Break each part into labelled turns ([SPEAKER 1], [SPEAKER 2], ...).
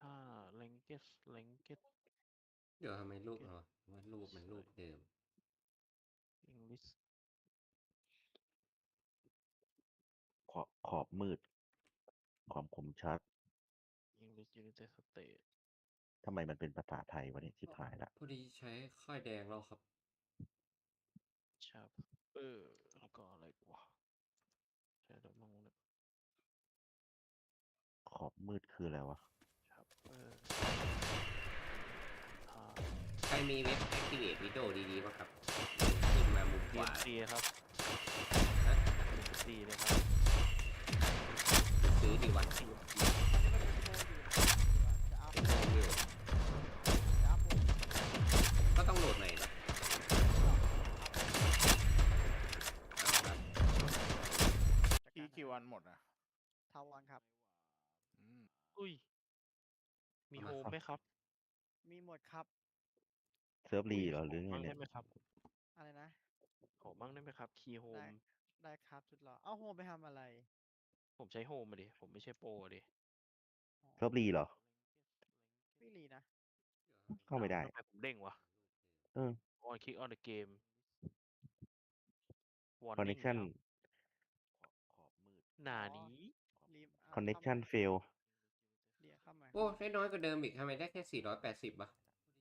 [SPEAKER 1] language
[SPEAKER 2] เดี๋ยวทำไมรูปเราว่ารูปมันรูปเดิม
[SPEAKER 1] English
[SPEAKER 3] ขอบมืด ความคมชัด
[SPEAKER 1] English United States
[SPEAKER 3] ทำไมมันเป็นภาษาไทยวะเนี่ยชิบหายละ
[SPEAKER 2] พอดีใช้ค่ายแดงแล้วครับ
[SPEAKER 1] chapter แล้วก็อะไรวะใช่แล้วมั้งเนี่ย
[SPEAKER 3] ขอบมืดคืออะไรวะ
[SPEAKER 1] chapter
[SPEAKER 2] ใครมีเว็บ Activate Windows ดีๆป่ะครับ ขึ้นมามุมขวา
[SPEAKER 1] DMC ครับ
[SPEAKER 2] ฮะ
[SPEAKER 1] DMC เลยครับ
[SPEAKER 2] ซื้อดีวะ
[SPEAKER 1] DMC
[SPEAKER 2] เป็นโมวิวก็ต้องโหลดใหม่นะเอาครับ
[SPEAKER 4] อีกกี่วันหมดอ่ะ
[SPEAKER 5] ทาวันครับ
[SPEAKER 1] อุ้ย มีโฮมไหมครับ
[SPEAKER 5] มีหมดครับ
[SPEAKER 3] เซิร์ฟรีเหรอหรือไง
[SPEAKER 1] มั่ง
[SPEAKER 3] เนี่
[SPEAKER 1] ได้
[SPEAKER 3] ย
[SPEAKER 1] ไหมครับ
[SPEAKER 5] อะไรนะ
[SPEAKER 1] ขอมั่งได้ไหมครับ คีย์โฮ
[SPEAKER 5] ได้
[SPEAKER 1] ม
[SPEAKER 5] ได้ครับสุดหล่อเอาโฮมไปทำอะไร
[SPEAKER 1] ผมใช้โฮมมาดิ ผมไม่ใช่โปรอะดิ
[SPEAKER 3] เซิร์ฟรีเหรอ
[SPEAKER 5] ไม่รีนะ
[SPEAKER 3] เข้าไม่ได้
[SPEAKER 1] ทำไมผมเด้งวะ
[SPEAKER 3] เออ
[SPEAKER 1] on click on the game warning
[SPEAKER 3] connection
[SPEAKER 1] ครับ
[SPEAKER 3] ขอบมืด
[SPEAKER 1] หนานี้
[SPEAKER 5] รีบ
[SPEAKER 3] connection fail
[SPEAKER 5] เรียกเข้ามา
[SPEAKER 2] โอ้ได้น้อยกว่าเดิมอีกทำไมได้แค่ 480ป่ะ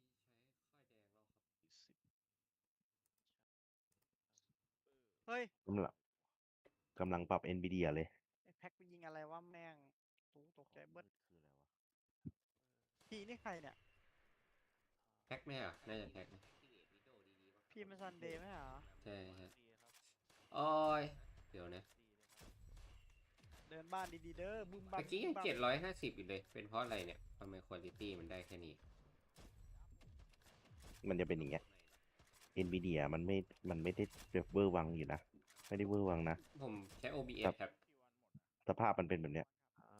[SPEAKER 5] เฮ้ย
[SPEAKER 3] กำลังปรับ NVIDIA เลย
[SPEAKER 5] ไอ้แพ็คไปยิงอะไรวะแม่งตกใจเบิด
[SPEAKER 3] คืออะไรวะ
[SPEAKER 5] พี่นี่ใครเนี่ย
[SPEAKER 2] แพ็กไหมอ่ะ น่าจะแพ็กนะ
[SPEAKER 5] พี่มันซันเดย์ไหมเหรอ
[SPEAKER 2] ใช่ฮะโอ้ย เดี๋ยวนะ
[SPEAKER 5] เดินบ้านดีๆเด้อบึ้มบ้า
[SPEAKER 2] เมื่อกี้ยัง750อยู่เลย เป็นเพราะอะไรเนี่ยทำไมคุณภาพมันได้แค่นี้
[SPEAKER 3] มันจะเป็นอย่างเงี้ย NVIDIA มันไม่ได้เวอร์วังอยู่นะ ไม่ได้เวอร์วังนะ
[SPEAKER 2] ผมใช้ OBS ครับ
[SPEAKER 3] สภาพมันเป็นแบบเนี้ย
[SPEAKER 1] ครับ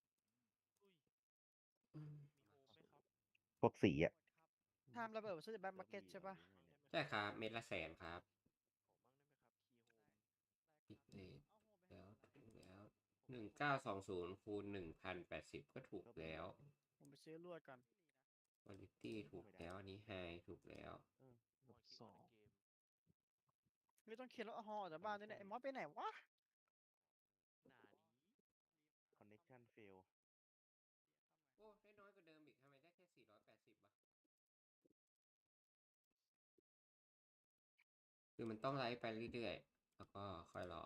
[SPEAKER 2] อืม
[SPEAKER 3] พวกสีอะ
[SPEAKER 5] ทำระเบิดซื้อจากแบ็คมาร์เก็ตใช่ปะ
[SPEAKER 2] ใช่ครับ เม็ดละ100,000ครับปิดเลทแล้วถูกแล้ว1920คูณ1080ก็ถูกแล้ว
[SPEAKER 5] ผมไปซื้อลวดก่อน
[SPEAKER 2] คุณภาพถูกแล้วอันนี้ไฮถูกแล้ว
[SPEAKER 1] สอง
[SPEAKER 5] ไม่ต้องเขียนรถฮอออกจากบ้านด้วยเนี่ยไอ้มอสไปไหนวะ
[SPEAKER 1] หนานี้
[SPEAKER 3] connection fail
[SPEAKER 2] โอ้ได้น้อยกว่าเดิมอีกทำไมได้แค่480ป่ะคือมันต้องไลฟ์ไปเรื่อยๆแล้วก็ค่อยรอ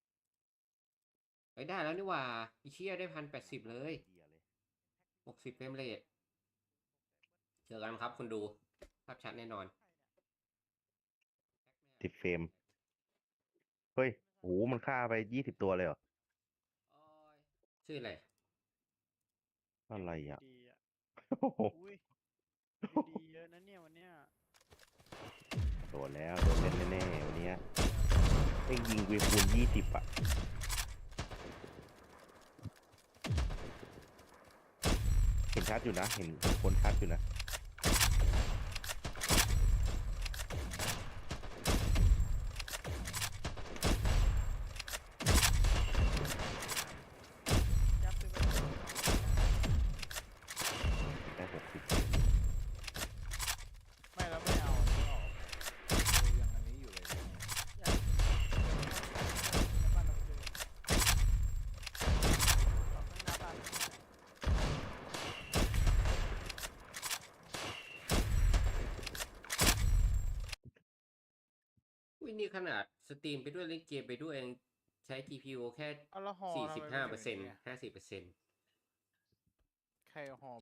[SPEAKER 2] ได้แล้วนี่หว่าอีเชียได้1080เลย60เฟรมเรทเจอกันครับคุณดูภาพชัดแน่นอน
[SPEAKER 3] 10 เฟรม เฮ้ยโหมันฆ่าไป20 ตัวเลยเหรอ
[SPEAKER 2] ชื่ออะไร
[SPEAKER 3] อะไรอ่ะ
[SPEAKER 5] ดีอ่ะ
[SPEAKER 3] โอ้โห
[SPEAKER 5] อุ้ยดีเยอะนะเนี่ยวันเนี้ย
[SPEAKER 3] โดนแล้วโดนเล่นแน่ๆวันเนี้ยไอ้ยิงเวคูณ20 อ่ะ เห็นชัดอยู่นะ เห็นคนชัดอยู่นะ
[SPEAKER 5] ยับซื้อไป
[SPEAKER 3] ได้60
[SPEAKER 4] ไม่แล้วไม่เอาอันนี้ออกยังอันนี้อยู่เลยเนี่ย
[SPEAKER 5] ยับบ้านเราซื้อข้างหน้าบ้าน
[SPEAKER 2] อุ้ยนี่ขนาดสตรีมไปด้วยเล่นเกมไปด้วยยังใช้ GPU แค่
[SPEAKER 4] เอาและฮอทำไมไม่เป็นอย่างนี้อะ
[SPEAKER 2] 45% 50%
[SPEAKER 4] ใครเอาฮอ